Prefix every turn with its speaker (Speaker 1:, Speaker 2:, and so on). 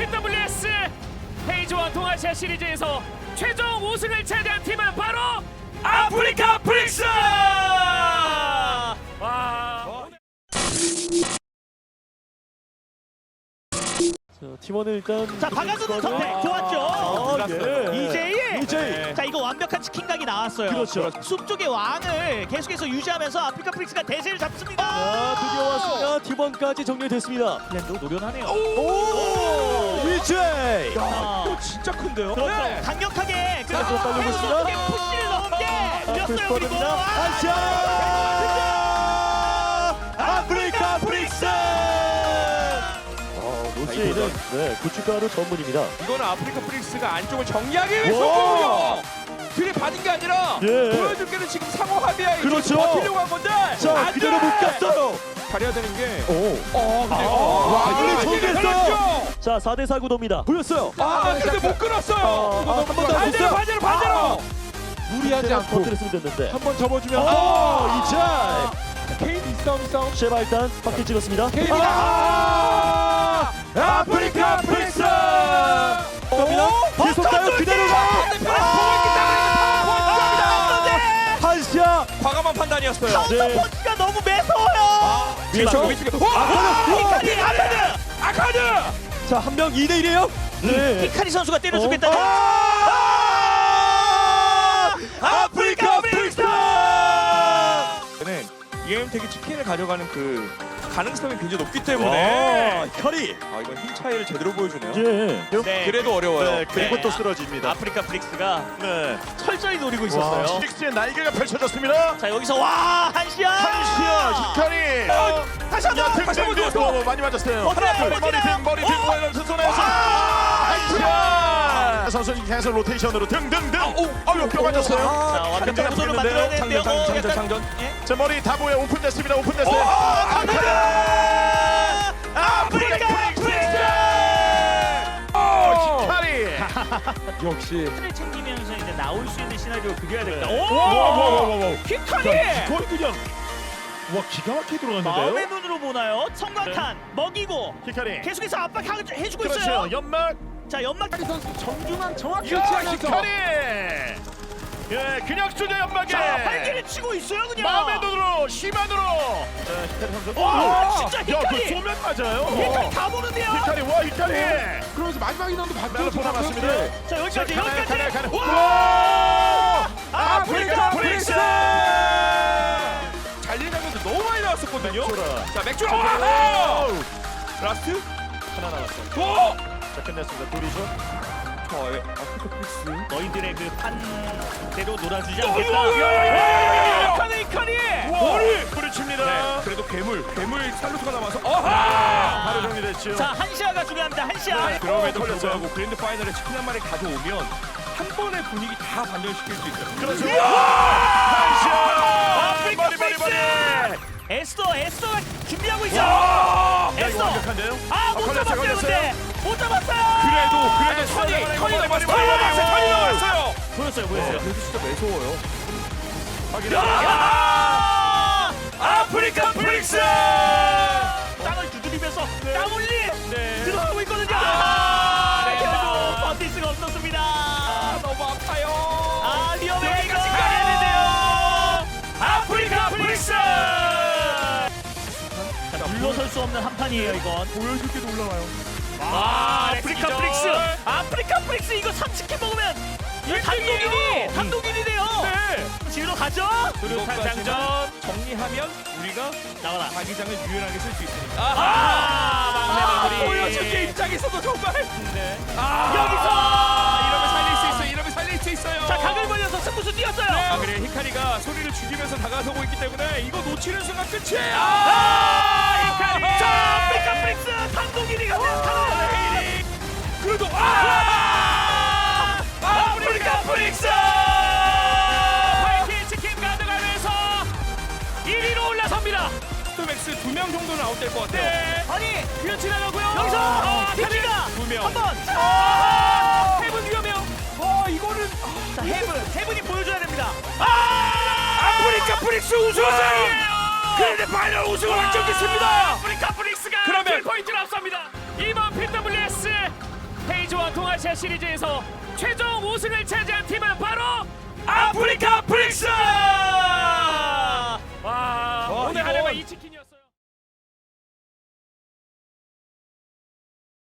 Speaker 1: PWS 헤이즈원 동아시아 시리즈에서 최종 우승을 차지한 팀은 바로 아프리카 프릭스! 와.
Speaker 2: 자, 팀원은 일단
Speaker 3: 자, 박아주는 선택 좋았죠. 이제이. 자, 이거 완벽한 치킨각이 나왔어요.
Speaker 2: 그렇죠.
Speaker 3: 숲 쪽의 왕을 계속해서 유지하면서 아프리카 프릭스가 대세를 잡습니다.
Speaker 2: 자, 드디어 왔습니다. 팀원까지 정리됐습니다.
Speaker 3: 랜도 노련하네요.
Speaker 2: 오! 이제!
Speaker 3: 자,
Speaker 4: 진짜 큰데요?
Speaker 3: 그렇죠. 강력하게 그
Speaker 2: 자, 또 빨리 오고 있습니다.
Speaker 3: 푸시를 넘게 밀렸어요. 그리고
Speaker 2: 아시아! 아프리카 프릭스! 노스웨이는 고춧가루 전문입니다.
Speaker 4: 이거는 아프리카 프릭스가 안쪽을 정리하기 위해서 들이받은 게 아니라 보여줄 게는 지금 상호 합의야.
Speaker 2: 그렇죠.
Speaker 4: 버티려고 한 건데
Speaker 2: 자, 그대로 묶였어요.
Speaker 4: 잘해야 되는 게
Speaker 2: 근데
Speaker 4: 이거
Speaker 2: 정리했어요. 자, 4대4 구도입니다. 보였어요.
Speaker 4: 근데 못 끊었어요.
Speaker 2: 한 번 더
Speaker 4: 반대로
Speaker 2: 해줬어요.
Speaker 4: 반대로 무리하지 않고
Speaker 2: 터뜨렸으면 됐는데.
Speaker 4: 한 번 접어주면
Speaker 2: 이제!
Speaker 4: 케인 싸움
Speaker 2: 쉐바 일단 바퀴 찍었습니다.
Speaker 4: 케인 아프리카 프릭스
Speaker 2: 갑니다. 계속 가요. 그대로 가. 한시아.
Speaker 4: 과감한 판단이었어요.
Speaker 3: 카운터 펀치가 너무 매서워요.
Speaker 4: 아카드
Speaker 2: 자, 한 명 2대1이에요. 네.
Speaker 3: 히카리 선수가 때려주겠다.
Speaker 2: 아프리카 프릭스!
Speaker 4: EM택이 치킨을 가져가는 그 가능성이 굉장히 높기 때문에
Speaker 2: 커리.
Speaker 4: 이건 힘 차이를 제대로 보여주네요.
Speaker 2: 예.
Speaker 3: 네,
Speaker 4: 그래도 어려워요.
Speaker 2: 그리고 또 쓰러집니다.
Speaker 3: 아프리카 프릭스가
Speaker 2: 네.
Speaker 3: 철저히 노리고 있었어요.
Speaker 2: 프릭스의 날개가 펼쳐졌습니다.
Speaker 3: 자, 여기서 와 한시아.
Speaker 2: 히카리.
Speaker 3: 다시 한번
Speaker 2: 많이 맞았어요.
Speaker 3: 어때요?
Speaker 2: 머리 등 이러면서 손에서 한시아 선수는 계속 로테이션으로 등등등. 뼈 맞았어요.
Speaker 3: 자, 완벽한 구도를 만들어야 되는데요.
Speaker 4: 장전.
Speaker 2: 제 머리 다 보여. 오픈됐습니다. 오픈됐어요. 아프리카 프릭스! 히카리.
Speaker 4: 역시
Speaker 3: 를 챙기면서 이제 나올 수 있는 시나리오 그려야 됩니다.
Speaker 2: 와.
Speaker 3: 히카리!
Speaker 2: 이걸 그냥 와 기가 막히게 들어갔는데요.
Speaker 3: 마음의 눈으로 보나요? 성광탄 먹이고
Speaker 2: 히카리.
Speaker 3: 계속해서 압박해주고 있어요.
Speaker 2: 그렇죠. 연막.
Speaker 3: 자, 연막
Speaker 4: 선수 정중앙 정확히
Speaker 2: 야
Speaker 4: 위치하면서
Speaker 2: 히카리. 예, 그냥 쏘죠 연막에.
Speaker 3: 자, 활기를 치고 있어요 그냥.
Speaker 2: 마음의 눈으로 시만으로. 자 히카리 선수.
Speaker 3: 와, 진짜
Speaker 2: 야, 그
Speaker 3: 히카리.
Speaker 2: 쏘면 맞아요.
Speaker 3: 히카리 다 보는데요.
Speaker 2: 히카리 와 히카리.
Speaker 4: 그러면서 마지막 인원도
Speaker 2: 멜로포 남았습니다.
Speaker 3: 자, 여기까지 여기까지.
Speaker 2: 와!
Speaker 4: 아프리카 프릭스! 달리면서 너무 많이 나왔었거든요. 자, 맥주라. 라스트
Speaker 2: 하나 남았어.
Speaker 4: 오!
Speaker 2: 자 끝냈습니다. 둘이죠.
Speaker 4: 아프리카 프릭스.
Speaker 3: 너희들의 그 판대로 놀아주지 않겠다. 히카리.
Speaker 2: 머리 부딪힙니다.
Speaker 4: 네, 그래도 괴물 살루트가 남아서
Speaker 2: 바로 정리됐죠.
Speaker 3: 자, 한시아가 중요합니다. 한시아.
Speaker 4: 그럼에도
Speaker 2: 걸렸어요.
Speaker 4: 불구하고 그랜드 파이널에 치킨 한 마리 가져오면 한 번의 분위기 다 반전시킬 수 있어요.
Speaker 2: 그렇죠. 한시아.
Speaker 3: 아프리카 프릭스! 에스더가 준비하고 있어.
Speaker 2: 야 이거
Speaker 3: 에스더.
Speaker 2: 완벽한데요?
Speaker 3: 못
Speaker 2: 걸렸어요,
Speaker 3: 잡았어요
Speaker 2: 걸렸어요.
Speaker 3: 근데. 못 잡았어요.
Speaker 4: 그래도 턴이 남았어요.
Speaker 3: 보였어요.
Speaker 4: 그래도 진짜 매서워요.
Speaker 2: 아프리카 프릭스!
Speaker 3: 땅을 두드리면서 땅 올리
Speaker 2: 네.
Speaker 3: 들어가고 있거든요. 결국 버틸 수가 없었습니다.
Speaker 4: 너무 아파요.
Speaker 3: 위험해.
Speaker 2: 여기까지 가야 아프리카 프릭스!
Speaker 3: 물러설 수 없는 한 판이에요 이건.
Speaker 4: 보여줄 게도 올라와요.
Speaker 3: 아프리카 프릭스 이거 30개 먹으면 이거 단독 1위 돼요. 지우러 가죠.
Speaker 4: 수류탄 장전 정리하면 우리가
Speaker 3: 나와라.
Speaker 4: 자기장을 유연하게 쓸 수 있습니다. 보여줄 게 입장에서도 정말. 이러면 살릴 수 있어요.
Speaker 3: 자, 각을 벌려서 승부수 뛰었어요.
Speaker 4: 그래 히카리가 소리를 죽이면서 다가서고 있기 때문에 이거 놓치는 순간 끝이에요.
Speaker 3: 히카리. 자, 아프리카 프릭스 단독 1위가 됐다.
Speaker 4: 그래도
Speaker 2: 아프리카 프릭스!
Speaker 1: 파이팅 치킨 가져가면서 1위로 올라섭니다.
Speaker 4: 스톰엑스 2명 정도는 아웃될 것 같아요.
Speaker 3: 아니
Speaker 1: 그냥 지나가고요.
Speaker 3: 여기서 히키가
Speaker 4: 두 명.
Speaker 3: 한번.
Speaker 1: 해븐 위험해요.
Speaker 4: 이거는
Speaker 3: 자, 헤븐이 보여줘야 됩니다.
Speaker 4: 아프리카 프릭스 우승이에요. 그런데 파이널 우승을 확정됐습니다.
Speaker 1: 아프리카 프릭스가
Speaker 4: 그러면
Speaker 1: 포인트를 앞섭니다. 이번 PWS 헤이즈원 동아시아 시리즈에서 최종 우승을 차지한 팀은 바로 아프리카 프릭스!